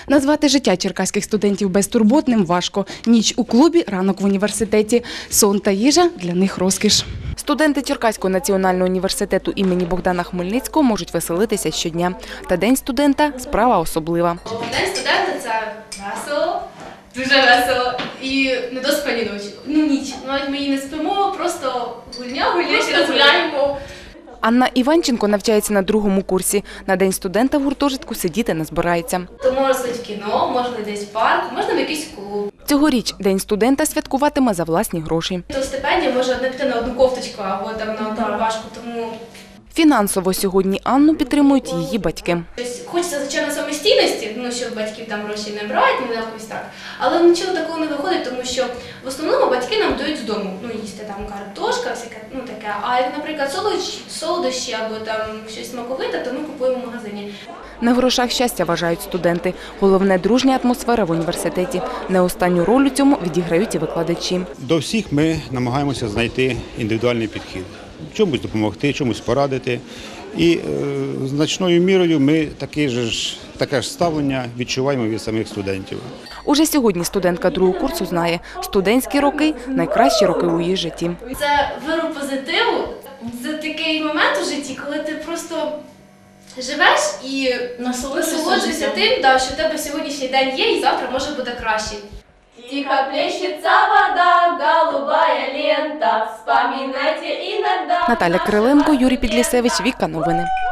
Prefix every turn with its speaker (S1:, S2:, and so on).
S1: Назвати життя черкаських студентів безтурботним важко. Ніч у клубі, ранок в університеті. Сон та їжа – для них розкіш. Студенти Черкаського національного університету імені Богдана Хмельницького можуть веселитися щодня. Та День студента – справа особлива.
S2: День студента – це весело, дуже весело і недоспані ночі. Ніч. Навіть ми її не спимо, просто гуляємо.
S1: Анна Іванченко навчається на 2-му курсі. На День студента в гуртожитку сидіти не збирається.
S2: То можна сходити в кіно, можна десь в парк, можна в якийсь клуб.
S1: Цьогоріч День студента святкуватиме за власні гроші.
S2: То стипендія може одне піти на одну кофточку або там на одну рубашку, тому...
S1: Фінансово сьогодні Анну підтримують її батьки.
S2: Хочеться, звичайно, самостійності, щоб батьків там гроші не брати, не якось так. Але нічого такого не виходить, тому що в основному батьки нам дають з дому. Їсти там картошка, всяке, таке. А як, наприклад, солодощі або там щось смаковите, то ми купуємо в магазині.
S1: На грошах щастя, вважають студенти. Головне – дружня атмосфера в університеті. Не останню роль у цьому відіграють і викладачі.
S3: До всіх ми намагаємося знайти індивідуальний підхід. Чомусь допомогти, чомусь порадити. І значною мірою ми таке ж ставлення відчуваємо від самих студентів.
S1: Уже сьогодні студентка 2-го курсу знає – студентські роки – найкращі роки у її житті.
S2: Це виру позитиву. Це такий момент у житті, коли ти просто живеш і насолоджуєшся тим, що в тебе сьогоднішній день є і завтра може бути кращий. Тихо плещется вода, голубая лента, вспоминайте иногда.
S1: Наталя Криленко, Юрій Підлісевич, Віка Новини.